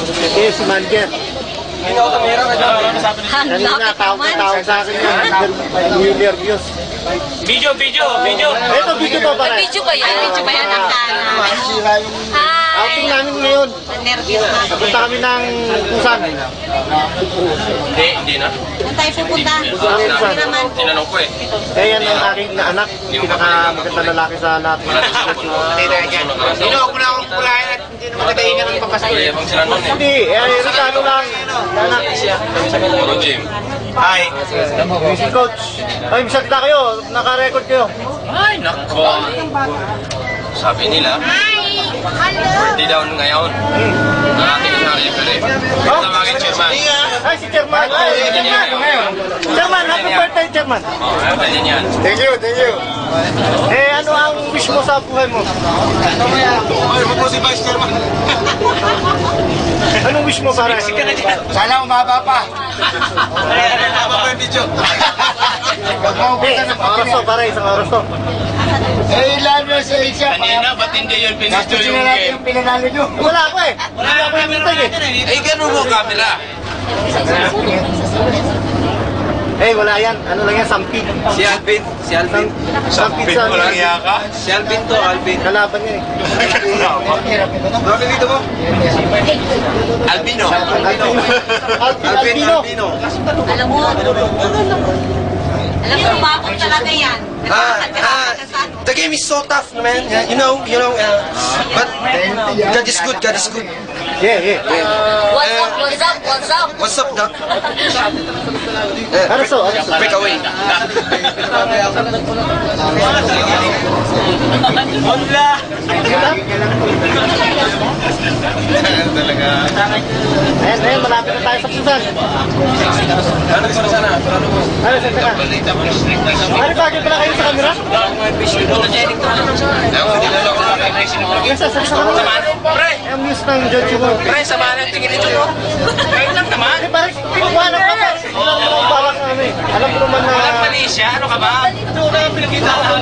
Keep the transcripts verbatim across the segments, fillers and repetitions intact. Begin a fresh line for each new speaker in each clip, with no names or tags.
Eh, si manager. Kanina, tawag-tawag sa akin yan. Million views.
Video, video, video.
Ito, video pa pala.
Video ba yan? Video ba yan? Hi!
Outing namin ngayon.
Nervous na.
Punta kami ng Busan.
Hindi, hindi na.
Saan tayo pupunta?
Busan.
Tinanong ko eh.
Eh, yan ang aking anak. Pinakamaganda lalaki sa lahat.
Sino ako na akong pulahin at hindi naman nagahingan ng papasko.
Ay, abang sila nun eh.
Hindi, eh, Ricardo lang. Anak.
Puro gym.
Hi.
Music coach. Ay, misalita kayo. Naka-record kayo.
Ay, nako. Sabi nila, birthday daw ngayon. Ang ating isang referee. Tawagin chairman.
Ay, si Chairman. Ay, si Chairman. Chairman, happy birthday, Chairman.
Oo, oh, ganyan yan.
Thank you, thank you.
Eh, ano ang wish mo sa buhay mo?
Ay, mo po si Vice Chairman.
Anong wish mo para?
Sana umaba pa. Umaba pa yung video.
Eh, isang oras to, para isang oras to.
Eh, ilan mo sa Asia.
Kanina, ba't hindi yun pinisto
Gusto
yung
na natin
game?
yung pinanalo nyo.
Wala ako eh. Wala ako yung mintay eh.
Eh, ganun mo camera.
Eh, wala yan. Ano lang yan, sampid.
Si Alvin, si Alvin.
Sampid sa
Walang iya ka?
Si Alvin to, Alvin.
kalaban niya eh.
Bakit dito mo?
Albino.
Albino.
Alvin,
Albino.
Albino.
Alam mo, alam mo, umabot talaga yan.
Ah, ah, the game is so tough, man. Yeah, you know, you know, uh, but God is good, God is good.
Yeah, yeah.
What's up, what's up, what's up?
What's up, Doc?
Ano so? Ano so?
Break away.
Hola!
Ayan, ayan, malapit na tayo sa Busan.
Ano gusto mo sana? Ano mo?
Ano, saan ka? Ano, bagay pala kayo sa camera? Yes, sa sa camera.
Pre!
Ang news ng George mo.
Pre, samahan ang tingin ito, no? Ngayon lang naman.
Eh, parang kinuha na pa. Wala naman parang ano eh. Alam ko naman na...
Walang Malaysia, ano ka ba? Ito na ang pinakita ko.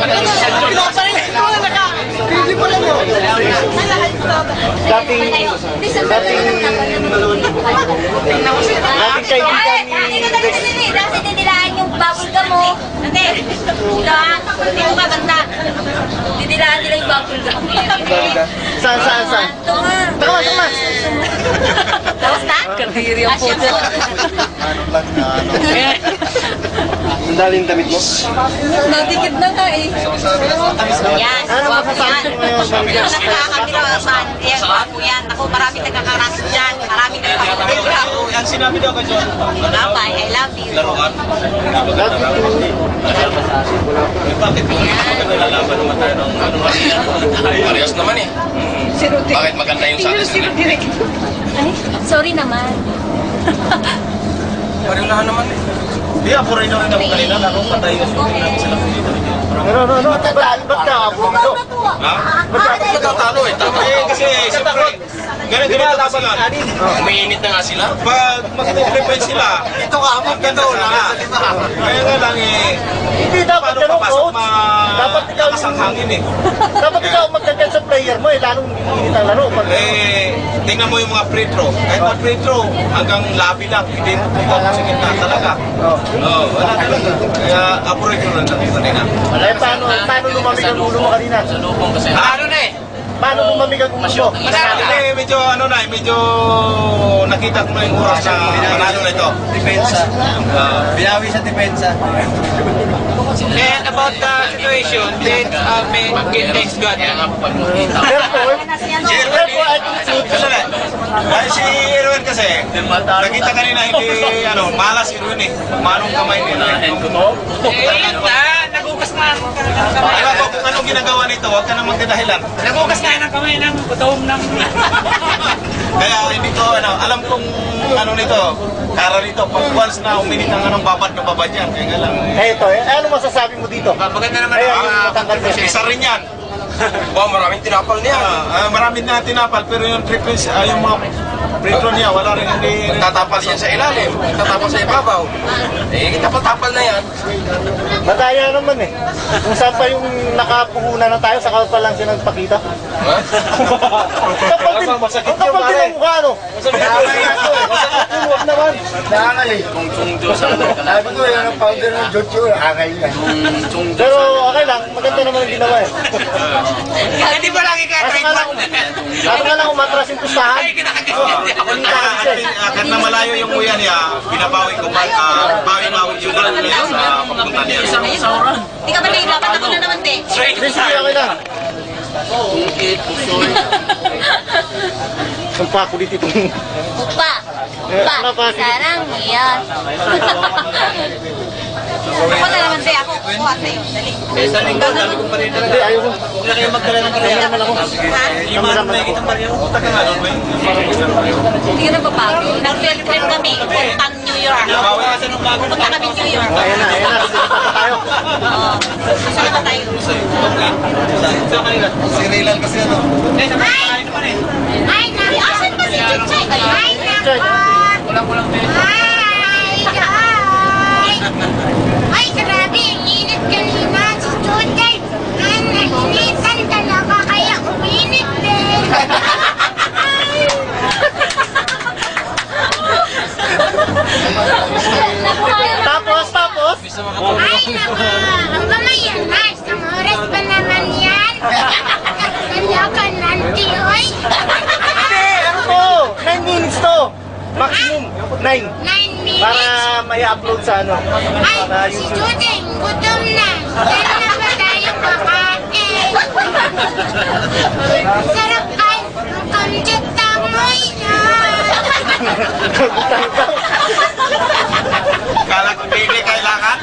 Hindi pa lang yun. Dating... Dating... Dating kaibigan ni...
Kasi dinilaan yung bubble gum mo. Hindi. Dilaan. Hindi mo maganda. Dinilaan nila yung bubble gum.
Saan, saan, saan?
Ito nga.
Tama, tama.
Tapos na? Kadiri ang po.
Ang daling damit mo?
Natikid na nga eh. Yan.
Ano
Guwapo
masasabi
yan.
mo ngayon, Maria?
Nakakabila man. Yan. Guwapo yan. Ako marami nagkakaraso dyan. Marami nagkakabila.
Ang sinabi daw ka, John.
Bye. I love you.
Laruan. Bakit? Nalalaban naman tayo ng ano Parehas naman eh. Bakit maganda yung sa atin?
Sorry naman.
Pareho naman eh. Hindi, ako rin naman ako kanina. Ako patay yung sulit namin sila dito.
Ano, ano, ano? Ba't ba't ka ako?
Ha? Ba't nagtatalo eh? Tama eh. Kasi siyempre, ganito ba dapat nga? Umiinit na nga sila. Pag mag-defend sila, ito ka, maganda na nga. Kaya nga lang eh,
Hindi dapat
paano
ganun,
papasok
coach.
ma...
Dapat ikaw
lakas ang hangin eh.
Dapat ikaw magdagdag sa player mo eh. Lalong init ang laro. Pag...
Eh, tingnan mo yung mga free throw. Kahit mga free throw, hanggang labi lang. Hindi ito sa gitna talaga.
Oh.
Oo, wala talaga. Kaya apurin ko lang natin kanina.
Eh, paano, paano lumamig ang ulo mo kanina?
Ano na eh?
Paano lumamig ang ulo mo?
Manalo na eh, medyo ano na eh, medyo nakita ko na yung oras na manalo na ito.
Depensa. Binawi sa depensa.
And about the situation, then uh, may thanks God.
Therefore, therefore, I conclude.
Ay, si Erwin kasi, nakita kanina hindi, ano, malas Erwin eh. Manong kamay nila. Eh, yun na, nagugas na. Alam ko kung anong ginagawa nito, huwag ka na magdadahilan. Nagugas na ng kamay ng butom ng... Kaya hindi ko, ano, alam kong ano nito, kara nito, pag once na uminit ang anong babad na babad yan, kaya nga lang.
Eh, ito, eh, ano masasabi mo dito?
Maganda naman
Ayun,
ang
yung matangkad niya.
isa rin yan.
Ba, maraming tinapal niya.
Ah, ah, marami na tinapal, pero yung triples, ah, yung mga prito niya, wala rin hindi...
Tatapal yan sa ilalim, tatapal sa ibabaw. Eh, tapal-tapal na yan.
Mataya naman eh. Kung saan pa yung nakapuhunan na tayo, saka pa lang siya nagpakita. Kapal din, ang kapal din ang mukha, no? Huwag naman.
Nakakal eh. Sabi ko, yung founder ng Jojo, nakakal yan.
Pero okay lang, maganda naman ang ginawa eh.
Hindi ba lagi kaya
Kaso nga lang, kaso nga lang umatras yung pustahan.
Agad na malayo yung kuya niya, binabawi ko ba, uh, bawi-bawi yung lang niya sa papunta niya.
Hindi ka ba nahihirapan ako na naman, te?
Hindi, sige, okay lang. Ang pakulit itong...
Upa.
Eh,
Upa.
ano pa?
Sarang yan. Ako na naman, te. Ako kukuha sa'yo. Dali.
Hindi, ayaw ko. Huwag na kayo magdala ng kamera naman ako.
Ha?
Kamera naman ako.
Taga nga doon ba yun?
Hindi ka na babago. Nag-field trip kami. Puntang New York. Pupunta kami New York.
Ayan na, ayan na. Sisipat na tayo.
Oo. Saan na tayo?
Sirilan kasi ano.
Ay! Ay, na! Asan ba si Chuchay? Ay, na!
Check.
Ay! Ay! Ay, grabe! Ang init kanina si Chuchay. Ay, nainitan talaga kaya uminit din.
Tapos, tapos.
Ay, naku! Ang gamayan na! Isang oras pa naman yan! Kanya ka nanti, oy!
Hindi, ano to? nine minutes to. Maximum, nine.
Nine minutes!
Para may upload sa ano.
Ay,
Sa
si
YouTube.
Judeng, gutom na! Saan na ba tayo kakain? Sarap ay! Ang kamjat tamoy na!
Kala ko hindi kailangan.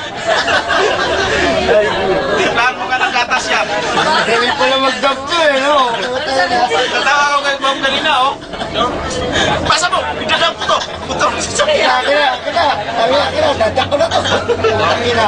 Tingnan mo ka ng gatas yan.
Hindi pala mag-dub to eh, no?
Tatawa ko kay Bob kanina, oh. Pasa mo, idadam ko to. Puto.
Kaya, kaya, kaya, kaya, kaya, dadak ko na to. Kaya,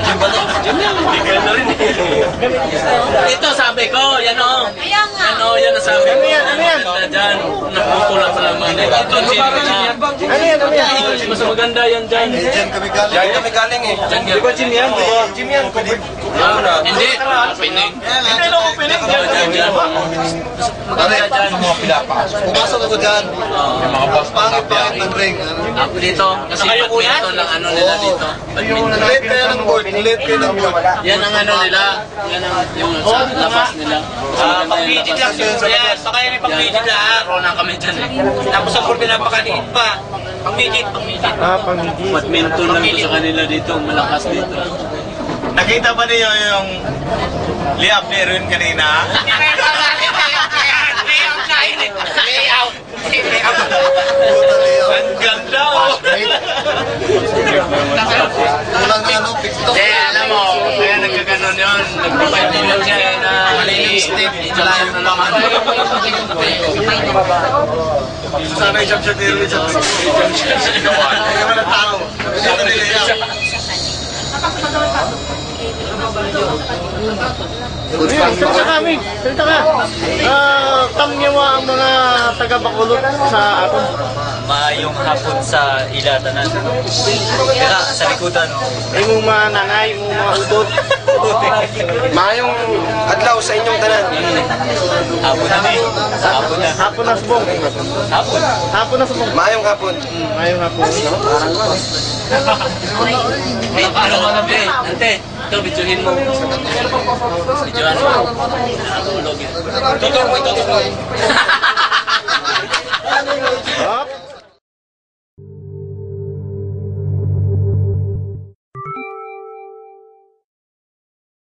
Ito sabi ko, yan o.
Kaya nga!
Ano, yan ang sabi ko.
Ano yan, ano yan?
Maganda dyan. Naputo lang sa laman. Ito, sino na.
Ano yan, ano yan?
Mas maganda yan dyan.
Diyan kami galing.
Diyan kami galing eh.
Di ba Jim yan? Di ba? Jim yan.
Ah, Hindi, pinig.
Hindi na opening dyan.
Dyan, dyan. Maganda dyan.
Pumasok ako dyan.
mga boss
Pangit-pangit ng ring. ano?
Ako dito, kasi badminton lang ano nila dito. Badminton.
Late kayo ng board. Late kayo ng board.
Yan ang ano nila. Yan ang yung sa labas nila.
Ah, pang-midget lang yun. Yes, baka yan yung pang-midget lang.
Pro na kami dyan eh.
Tapos ang pool pinapakaliit pa. Pang-midget, pang-midget.
Ah, pamidi.
Badminton lang to sa kanila dito. Malakas dito.
Nakita ba niyo yung liab ni Erwin kanina?
Layout. Layout.
Ang ganda, oh.
Kulang na ano, fix to.
Eh, alam mo, kaya nagkaganon yun. Nag-provide nila siya na malinis step. Malayo na naman.
Sana yung jump shot ni Erwin sa Hindi naman ang tao. Ito nila yan.
Ayun, salita ka, Mig. Salita ka. Ah, kamyawa ang mga taga-Bacolod sa aton.
Maayong hapon sa ilatanan. Kaya sa likodan.
Ay mong mga nanay, mong mga udot.
Maayong adlaw sa inyong tanan.
Hapon na ni. Hapon na.
Hapon na subong.
Hapon.
Hapon na subong.
Maayong hapon.
Ayong hapon.
Hey, paano mo nabi? Ante, ito, videohin mo. Videohan mo. Login. Tutok mo, tutok mo.